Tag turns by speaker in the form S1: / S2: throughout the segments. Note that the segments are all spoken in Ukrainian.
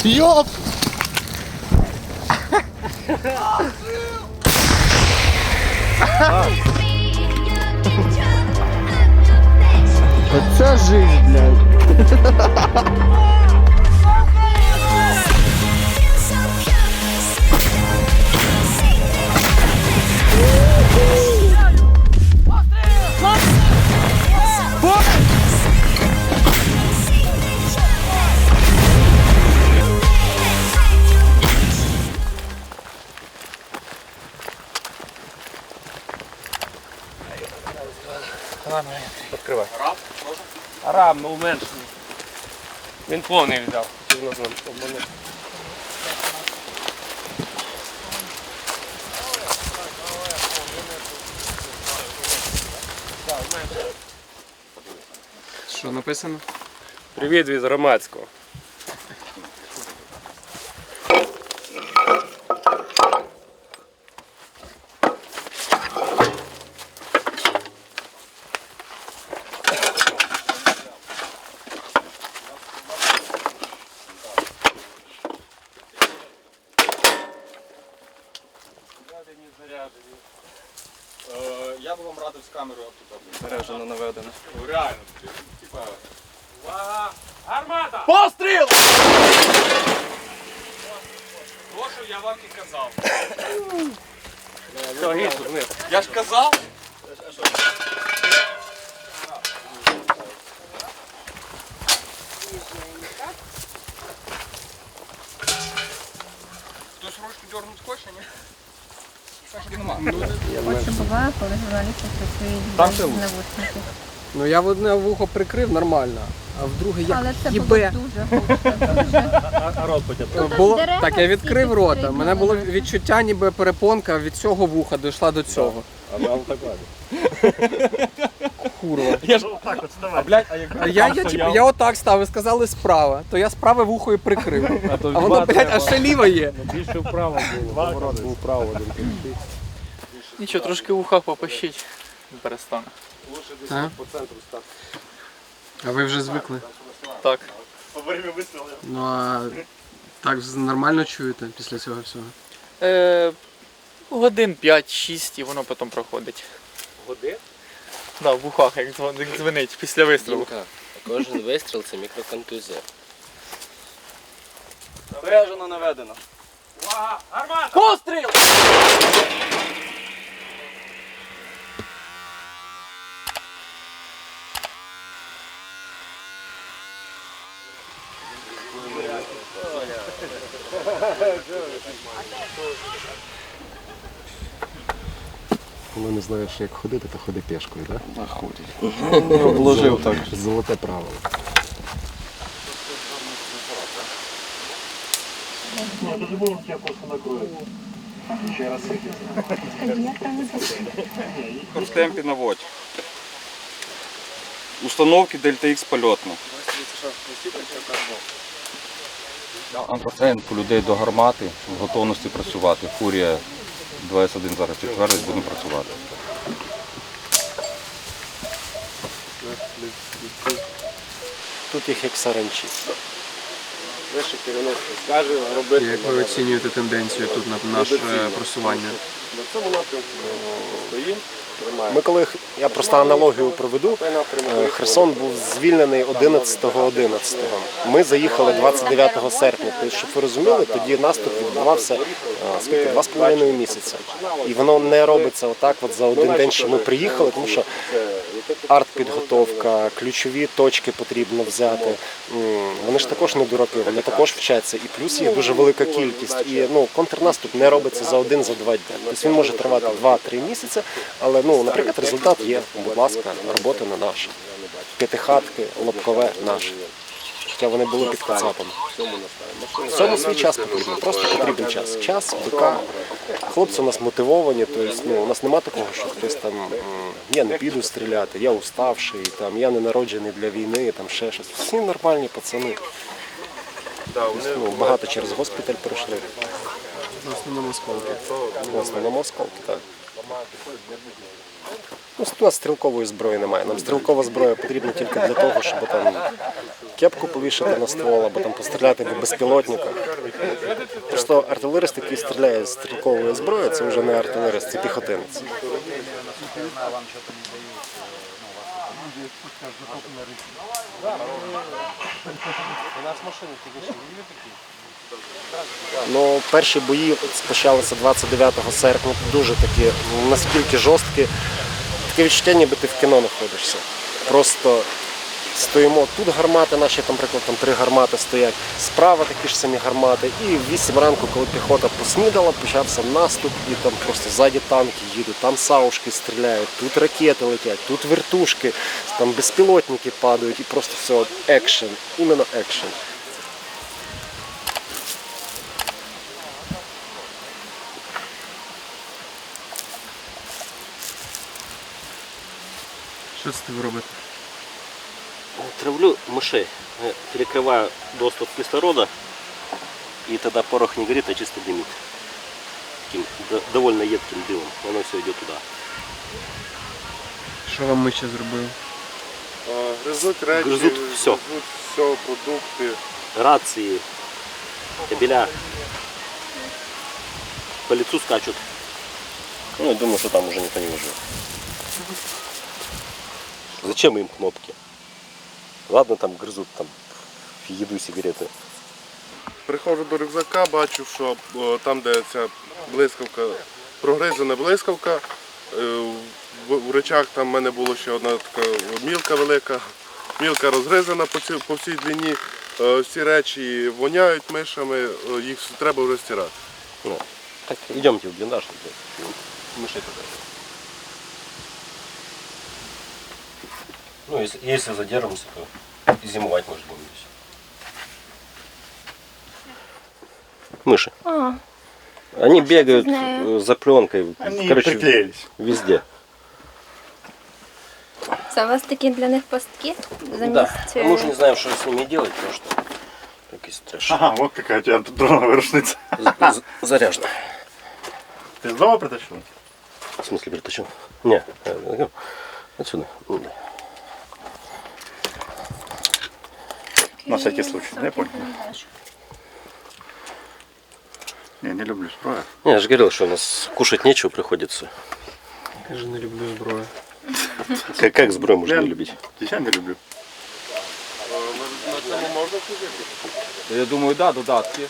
S1: Йоп! Оце жизнь, блядь.
S2: Відкривай. Араб? Араб, ну менший. Він повний взяв.
S3: Що написано?
S2: Привіт від громадського.
S4: Я б вам радив з камерою тут.
S3: Бережно наведено.
S4: Реально, типа.
S2: Увага! Гармата!
S4: Постріл!
S2: Прошу, я вам і казав. Все, гідь тут вниз.
S4: Я ж казав. Хтось ручку дернуть хоче, ні?
S5: От що буває, коли журналісти працюють без навушників.
S3: Ну я в одне вухо прикрив нормально, а в друге як
S5: Але це було
S3: їбе.
S5: дуже гучно, дуже.
S2: А рот потім.
S3: Було,
S5: дерева
S3: так, я
S5: всі
S3: відкрив рота. У
S5: підстригнули.
S3: мене було відчуття, ніби перепонка від цього вуха дійшла до цього.
S2: А нам так ладно.
S3: Курва.
S2: Я ж отак от ставай. А блядь, а як
S3: А я отак став, ви сказали справа, то я справа вухо і прикрив. А воно, блядь, аж ще ліве є.
S2: більше вправо було. Поворот був вправо, один кінчик.
S6: Нічого, трошки в ухах попищить, перестане.
S3: А? А ви вже звикли?
S6: Так.
S3: Ну а так нормально чуєте після цього всього?
S6: Годин 5-6 і воно потім проходить.
S2: Годин?
S6: Да, в ухах, як дзвонить після вистрілу.
S7: Дімка, кожен вистріл це мікроконтузія.
S4: Бережно наведено.
S2: Увага! Гармата!
S4: Постріл!
S1: Коли не знаєш, як ходити, то ходи пішкою, так?
S4: Обложив так.
S1: Золоте правило.
S4: Хорстемпі наводь. Установки Дельта-Х польотно. Антроцент по людей до гармати, в готовності працювати. Фурія 2С1 зараз підтвердить, будемо працювати.
S7: Тут їх як саранчі.
S2: Вище керівництво скаже робити.
S3: Як ви оцінюєте тенденцію тут на наше просування?
S2: На цьому напрямку стоїмо.
S7: Ми коли, я просто аналогію проведу, Херсон був звільнений 11.11. Ми заїхали 29 серпня. Тобто, щоб ви розуміли, тоді наступ відбувався 2,5 місяця. І воно не робиться отак от за один день, що ми приїхали, тому що артпідготовка, ключові точки потрібно взяти. Вони ж також не дураки, вони також вчаться. І плюс їх дуже велика кількість. І контрнаступ не робиться за один, за два дні. Тобто він може тривати 2-3 місяці, але, наприклад, результат є. Будь ласка, робота на наша. П'ятихатки, лобкове наше. Хоча вони були під кацапом. В цьому свій час потрібен, просто потрібен час. Час, БК. Хлопці у нас мотивовані, тобто, у нас немає такого, що хтось там, я не піду стріляти, я уставший, там, я не народжений для війни, там ще щось. Всі нормальні пацани. Багато через госпіталь пройшли.
S3: В основному осколки.
S7: В основному осколки, так. Ну, у нас стрілкової зброї немає. Нам стрілкова зброя потрібна тільки для того, щоб там кепку повішати на ствол, або там постріляти по безпілотниках. Просто артилерист, який стріляє з стрілкової зброї, це вже не артилерист, це піхотинець. Ну, перші бої почалися 29 серпня, дуже такі, наскільки жорсткі. Таке відчуття, ніби ти в кіно знаходишся. Просто стоїмо, тут гармати наші, там, наприклад, там 3 гармати стоять, справа такі ж самі гармати. І в 8 ранку, коли піхота поснідала, почався наступ, і там просто ззаді танки їдуть, там саушки стріляють, тут ракети летять, тут вертушки, там безпілотники падають, і просто все от екшен, іменно екшен.
S3: Що це ви робите?
S8: Травлю мышей, перекрываю доступ кислорода, и тогда порох не горит, а чисто дымит. Таким довольно едким дымом, оно все идет туда.
S3: Що вам миші зробили?
S9: Гризуть речі,
S8: Гризуть все.
S9: все, продукти.
S8: Рации, кабеля, по лицу скачут. Ну, я думаю, что там уже никто не выживет. Зачем им кнопки? Ладно, там грызут там еду, сигареты.
S9: Приходжу до рюкзака, бачу, що там, де ця блискавка, прогризана блискавка, в речах там в мене була ще одна така мілка велика, мілка розгризана по всій длині. Всі речі воняють мишами, їх треба вже стирати.
S8: Ну, так, идемте в блиндаж. Мышей туда. Ну, если задержимся, то и зимовать может будем здесь. Мыши. Они бегают
S5: знаю.
S8: за пленкой.
S9: Они
S8: Короче,
S9: приклеились.
S8: везде.
S5: Це у вас такі для них пастки?
S8: Да.
S5: Замість...
S8: Мы уже не знаем, что с ними делать, потому что какой трэш.
S9: Ага, вот какая у тебя дронова рушница.
S8: Заряжено.
S9: Ти з дому притащив?
S8: В смысле притащил? Не, отсюда. Ну, да.
S9: На всякий случай, не понял. Не люблю зброю.
S8: Не, я же говорил, что у нас кушать нечего приходится.
S3: Я ж не люблю зброю.
S8: Как сброю можно не любить?
S9: Я не люблю.
S4: Я думаю, да, додатки.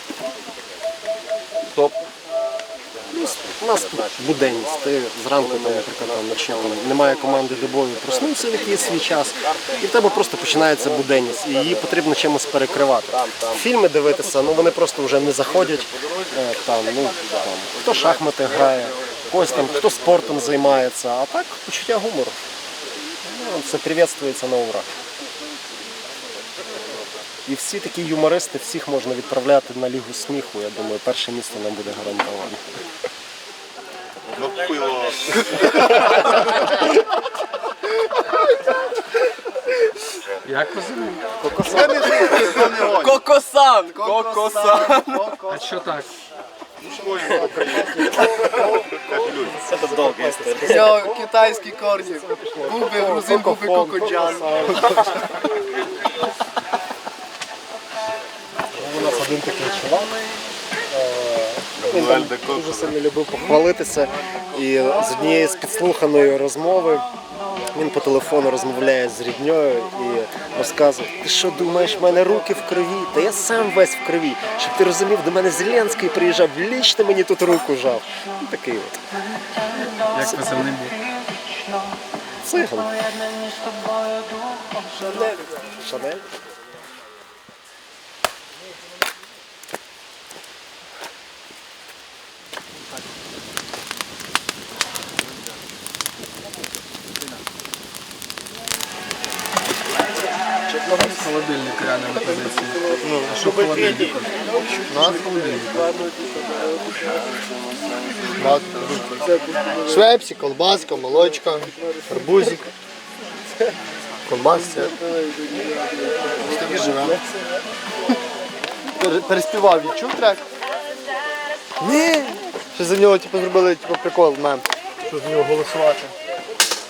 S4: Стоп.
S7: У нас тут буденність. Ти зранку, там, наприклад, там, вночі там, немає команди добові, проснувся в якийсь свій час, і в тебе просто починається буденність, і її потрібно чимось перекривати. Фільми дивитися, ну вони просто вже не заходять. Там, ну, там, хто шахмати грає, когось там, хто спортом займається, а так почуття гумору. Ну, це привітствується на ура. І всі такі юмористи, всіх можна відправляти на Лігу сміху. Я думаю, перше місце нам буде гарантовано.
S3: Як ви звали?
S6: Кокосан! Кокосан!
S3: А що так?
S6: Все, китайські корні. Губи, грузин, губи, кокоджан.
S7: У нас один такий чувак. Він там дуже сильно любив похвалитися. І з однієї з підслуханої розмови він по телефону розмовляє з рідньою і розказує: ти що думаєш, в мене руки в крові? Та я сам весь в крові. Щоб ти розумів, до мене Зеленський приїжджав, лічно мені тут руку жав. Ну, такий от.
S3: Як позивний був?
S7: Циган. Шанель.
S3: Холодильник реально на позиції. А що в холодильнику? У нас холодильник.
S10: Швепсі, колбаска, молочка, арбузик, колбасця. Ось так і живемо. Переспівав, відчув трек? Ні. Що за нього зробили прикол, мем. Що за нього голосувати.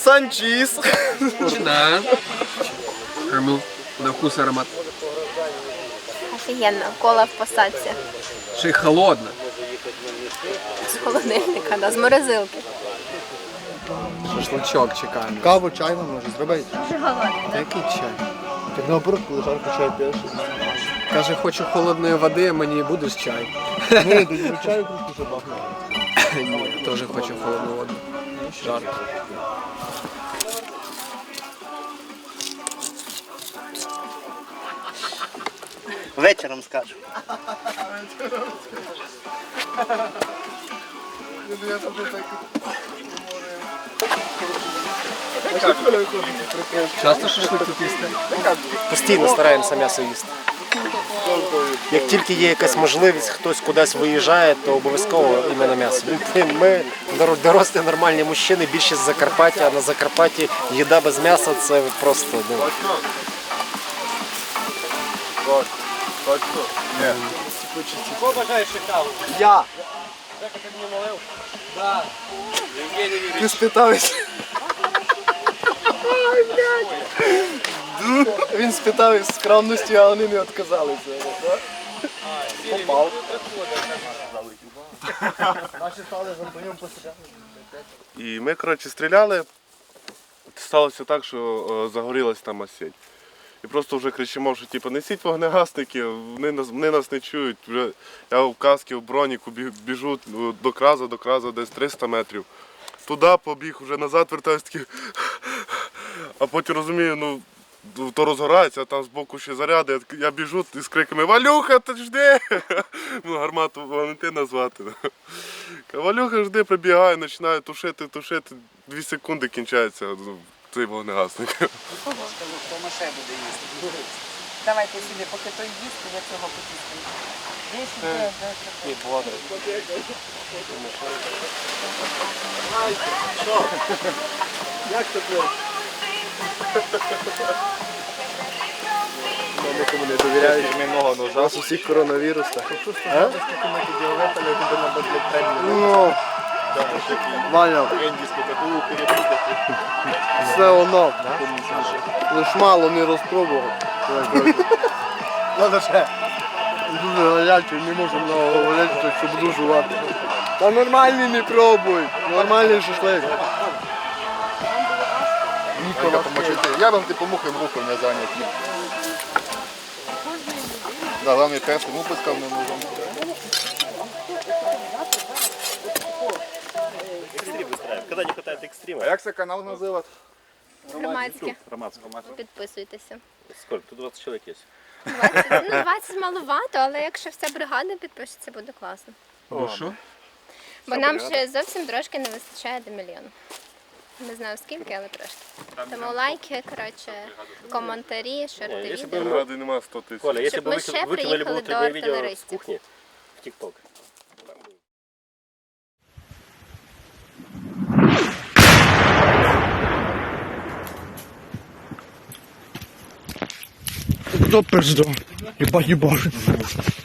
S6: Санчіз.
S3: Да. Кормил на вкус аромат.
S5: Офігенно, кола в посадці.
S3: Ще й холодно.
S5: З холодильника, да, з морозилки.
S3: Шашлычок чекаємо.
S10: Каву, чай вам може зробити.
S5: Дуже голодний, так?
S3: Який чай?
S10: Так наоборот, коли жарко чай п'єш.
S3: Каже, хочу холодної води, а мені будеш чай.
S10: Ні, тоді чаю просто вже бахне.
S3: Ні, теж хочу холодну воду. Жарко.
S10: Вечором скажу.
S3: Часто шашлик тут їсти?
S7: Постійно стараємося м'ясо їсти. Як тільки є якась можливість, хтось кудись виїжджає, то обов'язково іменно м'ясо. Ми дорослі нормальні мужчини, більшість з Закарпаття, а на Закарпатті їда без м'яса це просто
S6: Я. Ти спитався. Він спитав із скромності, а вони не відказалися. Попав.
S9: І ми, коротше, стріляли. Сталося так, що загорілась там осінь. І просто вже кричимо, що типу, несіть вогнегасники, вони нас не чують. Вже я в касці, в броніку біжу до кразу десь 300 метрів. Туди побіг, вже назад вертаюсь такий. А потім розумію, ну то розгорається, а там збоку ще заряди. Я біжу з криками «Валюха, ти жди!» Ну, гармату Валентина звати. «Валюха, жди!» Прибігаю, починаю тушити. 2 секунди кінчається цей вогнегасник.
S11: Давайте сюди, поки той їсть, я цього потіскаю.
S6: Як це було? Нікому не довіряють. У нас усіх коронавірус. Ну, Ваня, все воно. Лиш мало не розпробував. Ладно ще. Дуже гарячий, не можу много говорити, що буду жувати. Та нормальний не пробуй. Нормальний шашлик.
S10: Я вам типу мухи рухом не зайняті. Да, главный тест, ему пускал не нужен.
S8: Экстрим выстраиваем. Когда не хватает экстрима.
S10: А як це канал називати?
S5: Громадське.
S8: Романского.
S5: Підписуйтеся.
S8: Сколько? Тут 20 человек есть.
S5: 20 маловато, але якщо вся бригада підпишеться, буде класно.
S3: Ну що?
S5: Бо нам ще зовсім трошки не вистачає до мільйона. Не знаю скільки, але трошки. Тому лайки, коротше, коментарі, шерти відео.
S9: Ради нема 100 тисяч.
S8: Коля, если
S5: Щоб
S8: бы
S5: ми ще
S8: выкинули бы
S5: приїхали до
S8: внутреннее видео с
S5: артилеристів.
S8: кухни в ТикТок.
S10: Хто пизду? Єбать, єбать.